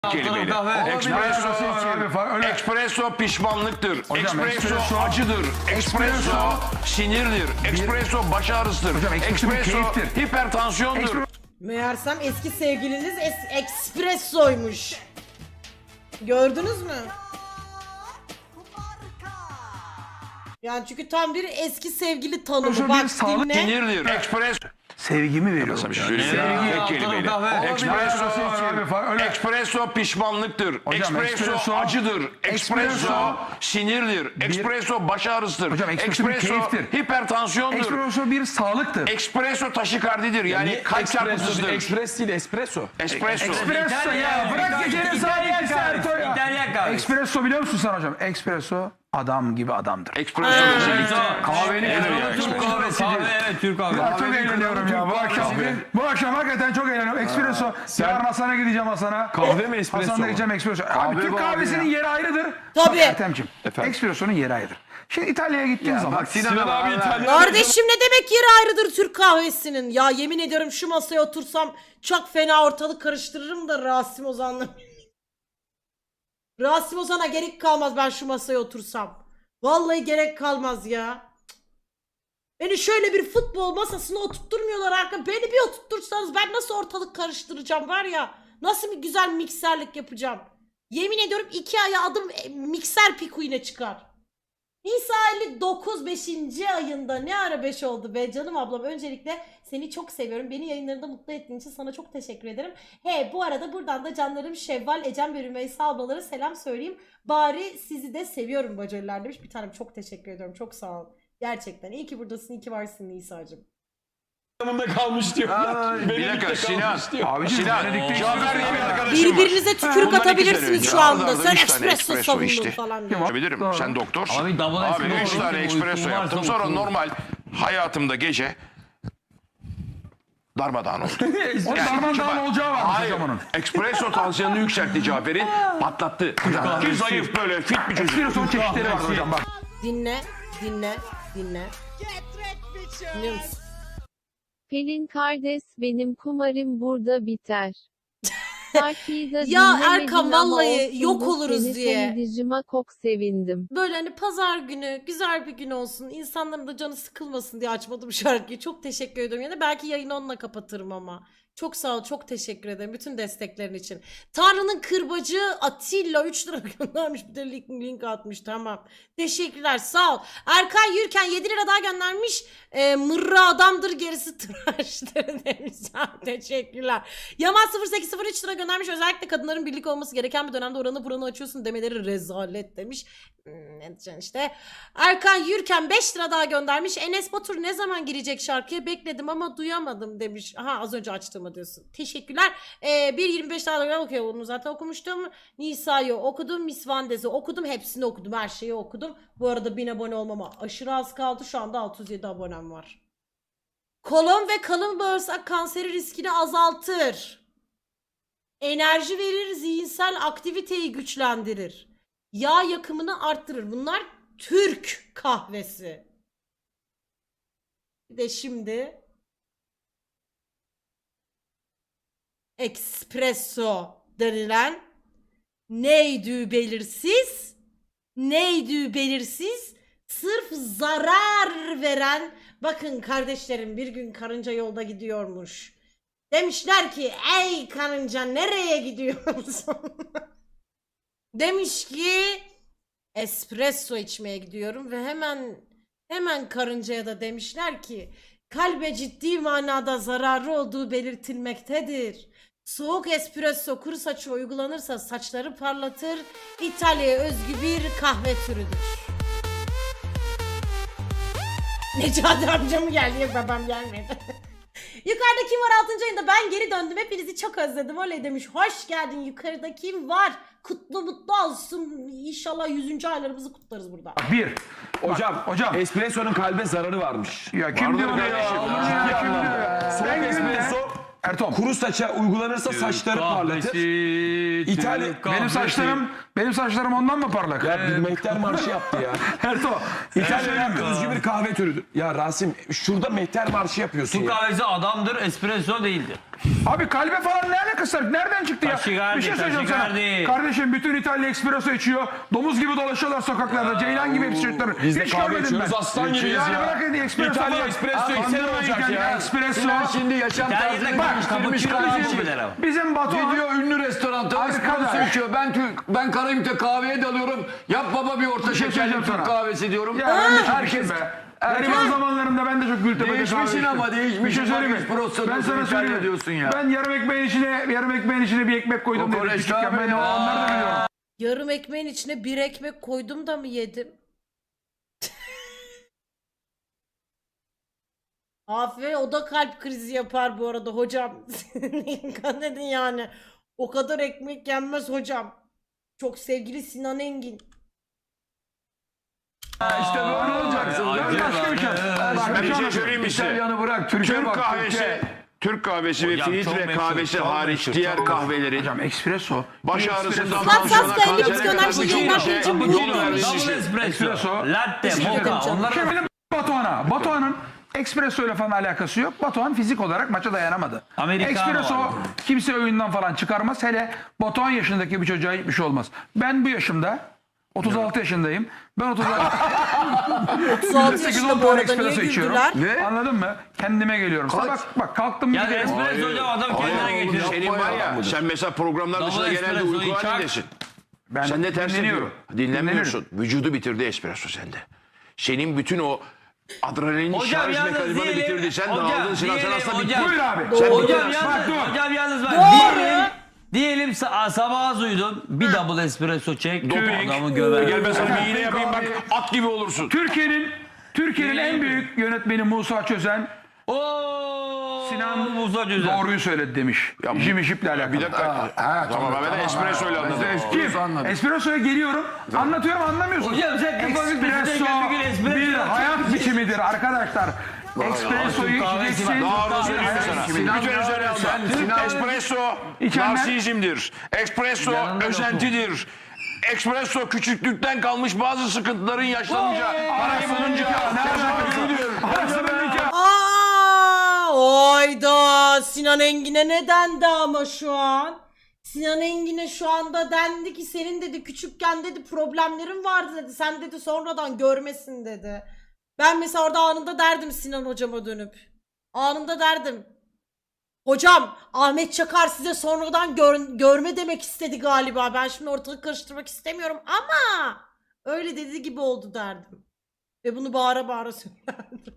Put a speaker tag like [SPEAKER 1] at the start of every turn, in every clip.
[SPEAKER 1] Kelimeyle. Espresso pişmanlıktır. Espresso acıdır. Espresso sinirdir. Espresso baş ağrısıdır. Espresso hipertansiyondur.
[SPEAKER 2] Meğersem eski sevgiliniz espressoymuş. Gördünüz mü? Yani çünkü tam bir eski sevgili tanımı. Bak dinle.
[SPEAKER 1] Sinirdir. Espresso.
[SPEAKER 3] Sevgimi veriyorum.
[SPEAKER 1] Tek kelimeyle. Espresso pişmanlıktır. Espresso acıdır. Espresso sinirdir. Espresso baş ağrısıdır. Espresso hipertansiyondur.
[SPEAKER 3] Espresso bir sağlıktır.
[SPEAKER 1] Espresso taşikardidir. Yani kalp çarpıntısıdır.
[SPEAKER 4] Ekspres değil, espresso.
[SPEAKER 1] Espresso.
[SPEAKER 3] Espresso ya bırak gecenin saat Serto ya.
[SPEAKER 4] İtalyan kahvesi.
[SPEAKER 3] Espresso biliyor musun sen hocam? Espresso adam gibi adamdır.
[SPEAKER 1] Espresso özellikle.
[SPEAKER 3] Kahveni
[SPEAKER 4] Türk kahvesi. Evet, Türk kahvesi.
[SPEAKER 3] Çok eğleniyorum ya bu akşam hakikaten çok eğleniyorum. Espresso. Yarın Hasan'a gideceğim Hasan'a.
[SPEAKER 4] Kahve mi espresso
[SPEAKER 3] Hasan'da
[SPEAKER 4] mu?
[SPEAKER 3] gideceğim espresso. Abi Türk kahvesinin yeri ayrıdır.
[SPEAKER 2] Tabii.
[SPEAKER 3] Bak Ertem'ciğim. Espresso'nun yeri ayrıdır. Şimdi İtalya'ya gittiğin zaman.
[SPEAKER 4] Sinan abi İtalyan.
[SPEAKER 2] Kardeşim ne demek yeri ayrıdır Türk kahvesinin? Ya yemin ediyorum şu masaya otursam çok fena ortalık karıştırırım da Rasim Ozan'la. Rasim Ozan'a gerek kalmaz ben şu masaya otursam. Vallahi gerek kalmaz ya. Beni şöyle bir futbol masasına oturtturmuyorlar arka. Beni bir oturtursanız ben nasıl ortalık karıştıracağım var ya. Nasıl bir güzel mikserlik yapacağım. Yemin ediyorum 2 aya adım mikser pikuyuna çıkar. Nisa 59 5. ayında ne ara 5 oldu be canım ablam. Öncelikle seni çok seviyorum. Beni yayınlarında mutlu ettiğin için sana çok teşekkür ederim. Bu arada buradan da canlarım Şevval, Ecem ve Rümeysa ablalara selam söyleyeyim. Bari sizi de seviyorum bacılar demiş. Bir tanem çok teşekkür ediyorum. Çok sağ ol. Gerçekten iyi ki buradasın, iyi ki varsın Nisa'cığım.
[SPEAKER 4] Yanımda kalmış diyor.
[SPEAKER 1] Bir dakika Sinan.
[SPEAKER 3] Abiciğim,
[SPEAKER 1] Sinan.
[SPEAKER 3] Venedik'te
[SPEAKER 1] Cafer diye bir arkadaşım var.
[SPEAKER 2] Birbirinize tükürük
[SPEAKER 1] Bundan 2 sene
[SPEAKER 2] atabilirsiniz
[SPEAKER 1] önce
[SPEAKER 2] şu anda.
[SPEAKER 1] Arda
[SPEAKER 2] Sen
[SPEAKER 1] 3 tane
[SPEAKER 2] espresso savundun
[SPEAKER 1] içti.
[SPEAKER 2] falan diye.
[SPEAKER 1] Bilirim. Sen doktorsun.
[SPEAKER 4] Abi double
[SPEAKER 1] Abi
[SPEAKER 4] espresso
[SPEAKER 1] 3 tane
[SPEAKER 4] uykum
[SPEAKER 1] espresso
[SPEAKER 4] varsa
[SPEAKER 1] yaptım. Sonra
[SPEAKER 4] uykum.
[SPEAKER 1] normal hayatımda gece darmadağın oldu.
[SPEAKER 3] O darmadağın olacağı varmış
[SPEAKER 1] Hayır.
[SPEAKER 3] hocam onun.
[SPEAKER 1] Espresso tansiyonunu yükseltti Cafer'in. Patlattı. Ki zayıf böyle fit bir çocuk.
[SPEAKER 3] Espresso'nun çeşitleri var hocam bak.
[SPEAKER 2] Dinle. Dinle. Dinliyor musun?
[SPEAKER 5] Pelin kardeş benim kumarım burada biter.
[SPEAKER 2] Ya Erkan vallahi yok oluruz diye.
[SPEAKER 5] Dizime çok sevindim.
[SPEAKER 2] Böyle hani pazar günü güzel bir gün olsun. İnsanların da canı sıkılmasın diye açmadım şarkıyı. Çok teşekkür ediyorum. Yani belki yayını onunla kapatırım ama. Çok sağ ol, çok teşekkür ederim bütün desteklerin için. Tanrı'nın kırbacı Atilla 3 lira göndermiş, bir de link atmış, tamam. Teşekkürler, sağ ol. Erkan Yürken 7 lira daha göndermiş. Mırra adamdır gerisi tıraştır demiş. Teşekkürler. Yaman 0803 lira göndermiş. Özellikle kadınların birlik olması gereken bir dönemde oranı buranı açıyorsun demeleri rezalet demiş. Ne diyeceksin işte. Erkan Yürken 5 lira daha göndermiş. Enes Batur ne zaman girecek şarkıya bekledim ama duyamadım demiş. Aha az önce açtığımı diyorsun. Teşekkürler. 1.25 daha okuyor. Onu zaten okumuştum. Nisa'yı okudum. Miss Vandez'i okudum. Hepsini okudum. Her şeyi okudum. Bu arada 1000 abone olmama aşırı az kaldı. Şu anda 607 abonem var. Kolon ve kalın bağırsak kanseri riskini azaltır. Enerji verir. Zihinsel aktiviteyi güçlendirir. Yağ yakımını arttırır. Bunlar Türk kahvesi. Bir de şimdi espresso denilen neydi belirsiz sırf zarar veren, bakın kardeşlerim bir gün karınca yolda gidiyormuş. Demişler ki ey karınca nereye gidiyorsun? Demiş ki espresso içmeye gidiyorum ve hemen karıncaya da demişler ki kalbe ciddi manada zararı olduğu belirtilmektedir. Soğuk espresso kuru saça uygulanırsa saçları parlatır. İtalya'ya özgü bir kahve türüdür. Necati amca mı geldi? Yok babam gelmedi. Yukarıda kim var 6. ayında? Ben geri döndüm. Hepinizi çok özledim. Öyle demiş. Hoş geldin. Yukarıda kim var? Kutlu mutlu olsun. İnşallah 100. aylarımızı kutlarız burada.
[SPEAKER 3] Bir.
[SPEAKER 4] Hocam. Espresso'nun kalbe zararı varmış.
[SPEAKER 3] Ya kim diyor
[SPEAKER 1] Vardır
[SPEAKER 3] ya?
[SPEAKER 1] kardeşim.
[SPEAKER 3] Allah
[SPEAKER 4] Ciddi
[SPEAKER 3] kim
[SPEAKER 4] anlamda.
[SPEAKER 3] diyor ya?
[SPEAKER 4] Soğuk
[SPEAKER 3] Ben
[SPEAKER 4] espresso
[SPEAKER 3] Ertom.
[SPEAKER 4] kuru saça uygulanırsa saçları parlatır.
[SPEAKER 3] Benim saçlarım ondan mı parlak?
[SPEAKER 4] Ya bir mehter marşı yaptı ya.
[SPEAKER 3] Erto.
[SPEAKER 4] İtalya'da özgü bir kahve türüdür. Ya Rasim şurada mehter marşı yapıyorsun
[SPEAKER 6] Türk
[SPEAKER 4] ya.
[SPEAKER 6] kahvesi adamdır, espresso değildir.
[SPEAKER 3] Abi kalbe falan ne alakası var? Nereden çıktı ya?
[SPEAKER 6] Taşigardi,
[SPEAKER 3] Bir şey söyleyeceğim sana.
[SPEAKER 6] taşigardi.
[SPEAKER 3] Kardeşim bütün İtalya espresso içiyor. Domuz gibi dolaşıyorlar sokaklarda. Ceylan gibi hepsi çocuklar.
[SPEAKER 4] Biz de
[SPEAKER 3] Hiç
[SPEAKER 4] kahve
[SPEAKER 3] görmedim
[SPEAKER 4] içiyoruz,
[SPEAKER 3] ben.
[SPEAKER 4] aslan gibiyiz
[SPEAKER 3] Yani
[SPEAKER 4] ya.
[SPEAKER 3] bırakın espresso
[SPEAKER 4] İtalya
[SPEAKER 3] falan.
[SPEAKER 4] espresso içsen
[SPEAKER 3] Kandırmayın
[SPEAKER 4] olacak
[SPEAKER 3] kendini.
[SPEAKER 4] ya.
[SPEAKER 3] Espresso.
[SPEAKER 7] Sinan şimdi yaşam
[SPEAKER 6] İtalya'da
[SPEAKER 7] tarzını
[SPEAKER 6] bak,
[SPEAKER 7] değiştirmiş
[SPEAKER 6] cappuccino
[SPEAKER 7] kardeşim.
[SPEAKER 6] içiyorlar ama.
[SPEAKER 3] Bizim Batuhan.
[SPEAKER 7] Gidiyor ünlü restoranda
[SPEAKER 3] Arkadaş.
[SPEAKER 7] espresso içiyor. Ben Karayip'te kahveye dalıyorum. Yap baba bir orta
[SPEAKER 3] şey
[SPEAKER 7] şekerli
[SPEAKER 3] söyleyeceğim
[SPEAKER 7] Türk
[SPEAKER 3] sana.
[SPEAKER 7] kahvesi diyorum.
[SPEAKER 3] Ya ben de çok
[SPEAKER 7] Herkes
[SPEAKER 3] içtim be. Gariban zamanlarında ben de çok Gültepe'de
[SPEAKER 7] Değişmişsin
[SPEAKER 3] kahve içtim.
[SPEAKER 7] ama, değişmişsin.
[SPEAKER 3] Bir şey söyleyeyim mi?
[SPEAKER 7] Bak, espresso
[SPEAKER 3] Ben
[SPEAKER 7] diyorsun,
[SPEAKER 3] sana
[SPEAKER 7] İtalya
[SPEAKER 3] söyleyeyim.
[SPEAKER 7] diyorsun ya.
[SPEAKER 3] Ben yarım ekmeğin içine bir ekmek koydum dedim
[SPEAKER 7] Kokoreç
[SPEAKER 3] küçükken.
[SPEAKER 7] tabii
[SPEAKER 3] Ben
[SPEAKER 7] ya.
[SPEAKER 3] onları da biliyorum.
[SPEAKER 2] Yarım ekmeğin içine bir ekmek koydum da mı yedim? Aferin, o da kalp krizi yapar bu arada hocam. Dikkat edin yani. O kadar ekmek yenmez hocam. Çok sevgili Sinan Engin.
[SPEAKER 7] işte böyle olacaksın.
[SPEAKER 3] Ben başka bir şey.
[SPEAKER 1] Ben bir şey söyleyeyim mi size?
[SPEAKER 7] İtalyanı bırak. Türkiye
[SPEAKER 1] Türk
[SPEAKER 7] bak.
[SPEAKER 1] kahvesi, Türk kahvesi ve
[SPEAKER 6] Hocam çok
[SPEAKER 1] filtre
[SPEAKER 6] meşhur,
[SPEAKER 1] kahvesi
[SPEAKER 6] çok
[SPEAKER 1] hariç
[SPEAKER 6] meşhur,
[SPEAKER 1] diğer
[SPEAKER 6] çok
[SPEAKER 1] kahvelerin
[SPEAKER 3] Hocam espresso.
[SPEAKER 1] baş
[SPEAKER 3] bir
[SPEAKER 1] ağrısından
[SPEAKER 3] espresso-
[SPEAKER 2] Sat, sat,
[SPEAKER 1] tansiyona,
[SPEAKER 2] kendi
[SPEAKER 1] kansere
[SPEAKER 2] psikolojik
[SPEAKER 1] kadar
[SPEAKER 2] şeyler
[SPEAKER 1] birçok
[SPEAKER 2] için
[SPEAKER 1] şeye
[SPEAKER 2] bu
[SPEAKER 1] yol
[SPEAKER 2] ciddi.
[SPEAKER 1] vermiş.
[SPEAKER 6] Double espresso,
[SPEAKER 3] Espresso.
[SPEAKER 6] latte,
[SPEAKER 2] Teşekkür ederim
[SPEAKER 6] mocha.
[SPEAKER 2] canım.
[SPEAKER 6] Onlar
[SPEAKER 3] Şimdi benim Batuhan'a. Espresso ile falan alakası yok. Batuhan fizik olarak maça dayanamadı.
[SPEAKER 6] Americano
[SPEAKER 3] Espresso
[SPEAKER 6] var.
[SPEAKER 3] kimse oyundan falan çıkarmaz. Hele Batuhan yaşındaki bir çocuğa hiçbir şey olmaz. Ben bu yaşımda 36 yaşındayım. Ben 36
[SPEAKER 2] 36 yaşında bu arada niye güldüler?
[SPEAKER 3] Ne? Anladın mı? Kendime geliyorum. Sabah bak kalktım
[SPEAKER 6] Ya
[SPEAKER 3] bir kere.
[SPEAKER 6] espresso hocam adam kendine getiriyor.
[SPEAKER 1] Senin var ya, sen mesela programlar dışında
[SPEAKER 6] Double
[SPEAKER 1] genelde
[SPEAKER 6] espresso'yu
[SPEAKER 1] uyku
[SPEAKER 6] çak.
[SPEAKER 1] halindesin.
[SPEAKER 3] Ben
[SPEAKER 1] Sen de ters
[SPEAKER 3] dinleniyorum.
[SPEAKER 1] yapıyor. Dinlenmiyorsun. Vücudu bitirdi espresso sende. Senin bütün o adrenalin
[SPEAKER 6] Hocam
[SPEAKER 1] şarj
[SPEAKER 6] yalnız
[SPEAKER 1] mekanizmanı
[SPEAKER 6] diyelim-
[SPEAKER 1] bitirdi. Sen
[SPEAKER 6] hocam
[SPEAKER 1] dağıldın Sinan. Sen
[SPEAKER 6] diyelim
[SPEAKER 1] aslında
[SPEAKER 6] hocam-
[SPEAKER 1] bittin.
[SPEAKER 3] Buyur abi.
[SPEAKER 1] Sen
[SPEAKER 6] Hocam
[SPEAKER 1] bittin.
[SPEAKER 6] yalnız,
[SPEAKER 3] dur.
[SPEAKER 6] hocam yalnız bak.
[SPEAKER 2] Doğru.
[SPEAKER 6] Diyelim sabah az uyudun. Bir double espresso çek.
[SPEAKER 1] Doping.
[SPEAKER 6] Adamı göver.
[SPEAKER 1] Gel ben sana bir iğne yapayım bak. At gibi olursun.
[SPEAKER 3] Türkiye'nin en büyük yönetmeni Musa Çözen
[SPEAKER 6] Ooo.
[SPEAKER 3] Sinan
[SPEAKER 6] Musa Cüzen.
[SPEAKER 3] doğruyu söyledi demiş.
[SPEAKER 1] Ya bu-
[SPEAKER 3] Jimmy Ship'le alakalı.
[SPEAKER 1] Bir dakika. Tamam ben de espresso ile anladım.
[SPEAKER 3] Kim? Espresso'ya geliyorum. Anlatıyorum anlamıyorsun.
[SPEAKER 6] Hocam sen kafanı
[SPEAKER 3] Espresso
[SPEAKER 6] küçükken bir gün espresso
[SPEAKER 3] bir
[SPEAKER 6] yapacak.
[SPEAKER 3] hayat biçimidir arkadaşlar. Espresso'yu
[SPEAKER 6] kahvesi
[SPEAKER 3] içeceksin.
[SPEAKER 1] Daha da söyleyeyim mi sana?
[SPEAKER 7] Sinan-
[SPEAKER 1] Bütün üzerine
[SPEAKER 7] Sinan-
[SPEAKER 1] alma. Espresso
[SPEAKER 3] İçenler-
[SPEAKER 1] narsizmdir. Espresso
[SPEAKER 6] Yanında
[SPEAKER 1] özentidir. Espresso küçüklükten kalmış bazı sıkıntıların yaşlanınca, parayı bulunca,
[SPEAKER 2] Oyda Sinan Engin'e ne dendi ama şu an? Sinan Engin'e şu anda dendi ki senin dedi küçükken dedi problemlerin vardı dedi. Sen dedi sonradan görmesin dedi. Ben mesela orada anında derdim Sinan hocama dönüp. Anında derdim. Hocam Ahmet Çakar size sonradan görme demek istedi galiba. Ben şimdi ortalık karıştırmak istemiyorum ama öyle dediği gibi oldu derdim. Ve bunu bağıra bağıra söylerdim.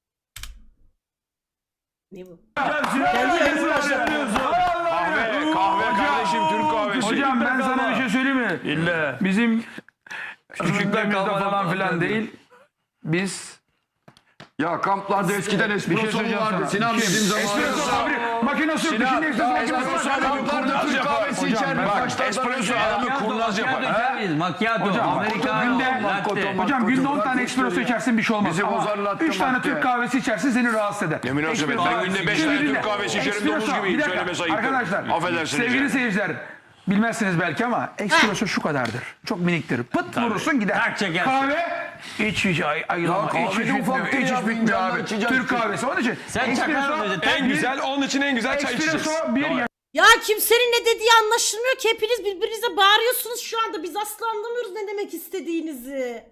[SPEAKER 2] Ne bu? Kendi yayını başlatıyorsun.
[SPEAKER 1] kahve kardeşim Türk kahvesi.
[SPEAKER 3] Hocam ben sana bir şey söyleyeyim mi? İlle. Bizim küçüklüğümüzde falan filan değil. Biz
[SPEAKER 7] Ya kamplarda eskiden espresso
[SPEAKER 3] söyleyeceğim
[SPEAKER 7] vardı.
[SPEAKER 3] sana.
[SPEAKER 7] Sinan
[SPEAKER 3] Kim?
[SPEAKER 7] bizim
[SPEAKER 3] espresso
[SPEAKER 7] zamanımızda.
[SPEAKER 3] fabri makinesi yok. Şimdi espresso makinesi var.
[SPEAKER 7] Kamplarda Türk kahvesi
[SPEAKER 3] Hocam,
[SPEAKER 7] içerdik.
[SPEAKER 3] bak,
[SPEAKER 7] Başlardan
[SPEAKER 1] espresso
[SPEAKER 7] önce.
[SPEAKER 1] adamı kurnaz yapar.
[SPEAKER 6] Macchiato,
[SPEAKER 3] Hocam,
[SPEAKER 6] americano, latte.
[SPEAKER 3] Hocam günde 10 tane espresso içersin bir şey olmaz.
[SPEAKER 7] Bizi
[SPEAKER 3] Ama
[SPEAKER 7] bozar latte
[SPEAKER 3] 3 tane
[SPEAKER 7] madde.
[SPEAKER 3] Türk kahvesi içersin seni rahatsız eder.
[SPEAKER 1] Ne münasebet. Ben günde 5 tane Türk kahvesi içerim domuz gibiyim. Söylemesi ayıp.
[SPEAKER 3] Arkadaşlar
[SPEAKER 1] Affedersiniz.
[SPEAKER 3] sevgili
[SPEAKER 1] yani.
[SPEAKER 3] seyirciler bilmezsiniz belki ama espresso şu kadardır. Çok miniktir. Pıt vurursun gider.
[SPEAKER 6] Tak çekersin.
[SPEAKER 3] Kahve iç ayılama.
[SPEAKER 7] Ya kahve
[SPEAKER 3] Hiç
[SPEAKER 7] de
[SPEAKER 3] bitmiyor.
[SPEAKER 7] ufak değil
[SPEAKER 3] Hiç
[SPEAKER 7] ya,
[SPEAKER 3] bitmiyor
[SPEAKER 7] fincanla
[SPEAKER 3] abi.
[SPEAKER 7] içeceksin.
[SPEAKER 3] Türk kahvesi. Onun için
[SPEAKER 6] Sen çakar mıydın?
[SPEAKER 3] en güzel
[SPEAKER 4] Onun için en güzel çay içeceğiz.
[SPEAKER 3] espresso bir
[SPEAKER 2] Ya kimsenin ne dediği anlaşılmıyor ki hepiniz birbirinize bağırıyorsunuz şu anda. Biz asla anlamıyoruz ne demek istediğinizi.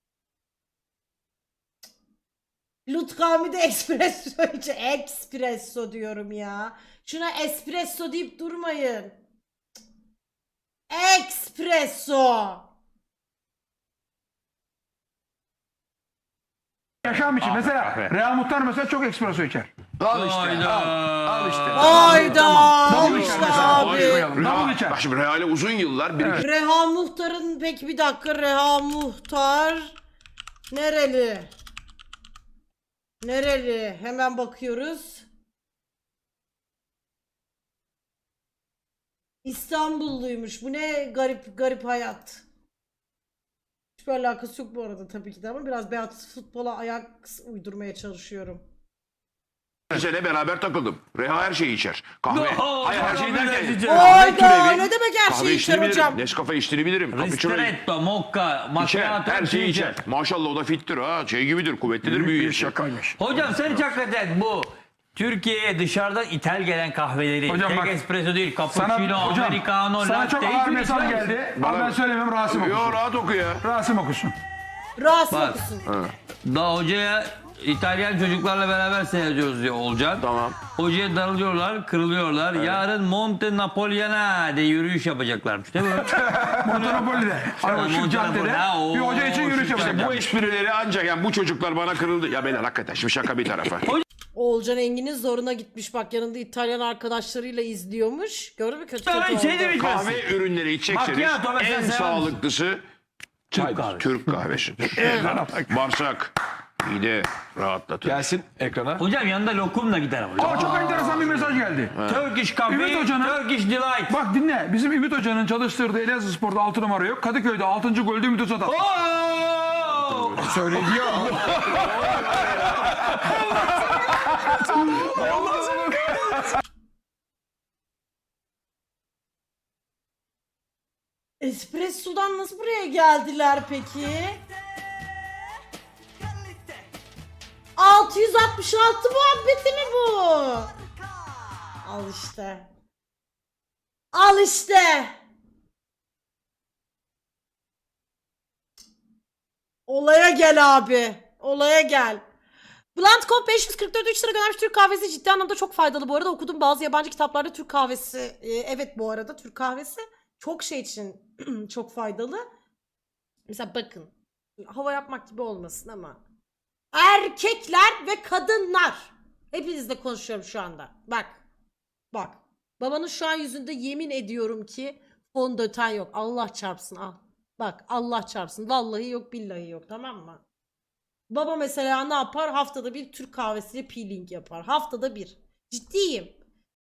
[SPEAKER 2] Lutkami de espresso içi. Espresso diyorum ya. Şuna espresso deyip durmayın. Espresso.
[SPEAKER 3] yaşam için. Mesela Reha Muhtar mesela çok espresso içer.
[SPEAKER 7] Al işte.
[SPEAKER 6] Hayda.
[SPEAKER 7] Al işte.
[SPEAKER 2] Hayda.
[SPEAKER 3] Double
[SPEAKER 2] İşte
[SPEAKER 3] içer mesela.
[SPEAKER 2] abi.
[SPEAKER 3] Double içer.
[SPEAKER 1] Bak şimdi Real'e uzun yıllar bir
[SPEAKER 2] Reha Muhtar'ın peki bir dakika Reha Muhtar nereli? Nereli? Hemen bakıyoruz. İstanbulluymuş. Bu ne garip garip hayat. Hiçbir alakası yok bu arada tabii ki de ama biraz beyaz futbola ayak uydurmaya çalışıyorum.
[SPEAKER 1] sene beraber takıldım. Reha her şeyi içer. Kahve. Hayır her şeyi derken.
[SPEAKER 2] Hayda ne demek her
[SPEAKER 1] Kahve
[SPEAKER 2] şeyi
[SPEAKER 1] içtiğini
[SPEAKER 2] içer hocam?
[SPEAKER 1] bilirim. Nescafe içtiğini bilirim. Cappuccino
[SPEAKER 6] Ristretto, mocha,
[SPEAKER 1] içer.
[SPEAKER 6] macchiato.
[SPEAKER 1] Her şeyi içer. Maşallah o da fittir ha. Şey gibidir, kuvvetlidir, büyüyor.
[SPEAKER 7] Bir şakaymış.
[SPEAKER 6] Hocam sen hiç hakikaten bu Türkiye'ye dışarıdan ithal gelen kahveleri,
[SPEAKER 3] Hocam
[SPEAKER 6] tek
[SPEAKER 3] bak,
[SPEAKER 6] espresso değil,
[SPEAKER 3] Sana,
[SPEAKER 6] cappuccino,
[SPEAKER 3] hocam,
[SPEAKER 6] americano,
[SPEAKER 3] sana çok
[SPEAKER 6] latte,
[SPEAKER 3] ağır
[SPEAKER 6] hiçbir
[SPEAKER 3] mesaj
[SPEAKER 6] şey yok.
[SPEAKER 3] geldi. Ama ben söylemiyorum, Rasim
[SPEAKER 1] Yo
[SPEAKER 3] okusun.
[SPEAKER 1] rahat oku ya.
[SPEAKER 3] Rasim okusun.
[SPEAKER 2] Rahatsız
[SPEAKER 6] Bak.
[SPEAKER 2] okusun.
[SPEAKER 6] Daha hocaya İtalyan çocuklarla beraber seyrediyoruz diyor Olcan.
[SPEAKER 1] Tamam.
[SPEAKER 6] Hocaya darılıyorlar, kırılıyorlar. Yarın Monte Napoleon'a diye yürüyüş yapacaklarmış değil mi?
[SPEAKER 3] Monopoli'de. Hani o şu
[SPEAKER 6] Montanapolis,
[SPEAKER 3] caddede
[SPEAKER 6] ha, o
[SPEAKER 3] bir hoca için yürüyüş
[SPEAKER 6] şu
[SPEAKER 3] yapacak.
[SPEAKER 1] Bu esprileri ancak yani bu çocuklar bana kırıldı. Ya beyler hakikaten şimdi şaka bir tarafa.
[SPEAKER 2] Oğulcan Engin'in zoruna gitmiş bak yanında İtalyan arkadaşlarıyla izliyormuş. Gördün mü kötü
[SPEAKER 6] Tabii
[SPEAKER 2] kötü
[SPEAKER 6] şey
[SPEAKER 2] oldu.
[SPEAKER 6] demiş.
[SPEAKER 1] Kahve ürünleri içecekseniz
[SPEAKER 6] Macchiato mesela
[SPEAKER 1] en
[SPEAKER 6] sever
[SPEAKER 1] sağlıklısı
[SPEAKER 6] Türk kahvesi.
[SPEAKER 1] Türk kahvesidir. Bağırsak, mide rahatlatır.
[SPEAKER 4] Gelsin ekrana.
[SPEAKER 6] Hocam yanında lokumla gider ama.
[SPEAKER 3] Aa, çok enteresan bir mesaj geldi.
[SPEAKER 6] Turkish Coffee,
[SPEAKER 3] Ümit Hoca'nın-
[SPEAKER 6] Turkish Delight.
[SPEAKER 3] Bak dinle. Bizim Ümit Hoca'nın çalıştırdığı Elazığspor'da 6 numara yok. Kadıköy'de 6. golde Ümit Özat attı.
[SPEAKER 6] Oo!
[SPEAKER 4] Söylediyor.
[SPEAKER 2] Espresso'dan nasıl buraya geldiler peki? 666 muhabbeti mi bu? Al işte. Al işte. Olaya gel abi. Olaya gel. Blunt 544 3 lira göndermiş. Türk kahvesi ciddi anlamda çok faydalı bu arada. Okudum bazı yabancı kitaplarda Türk kahvesi. Evet bu arada Türk kahvesi çok şey için çok faydalı. Mesela bakın. Hava yapmak gibi olmasın ama. Erkekler ve kadınlar. Hepinizle konuşuyorum şu anda. Bak. Bak. Babanın şu an yüzünde yemin ediyorum ki fondöten yok. Allah çarpsın al. Bak Allah çarpsın. Vallahi yok billahi yok tamam mı? Baba mesela ne yapar? Haftada bir Türk kahvesiyle peeling yapar. Haftada bir. Ciddiyim.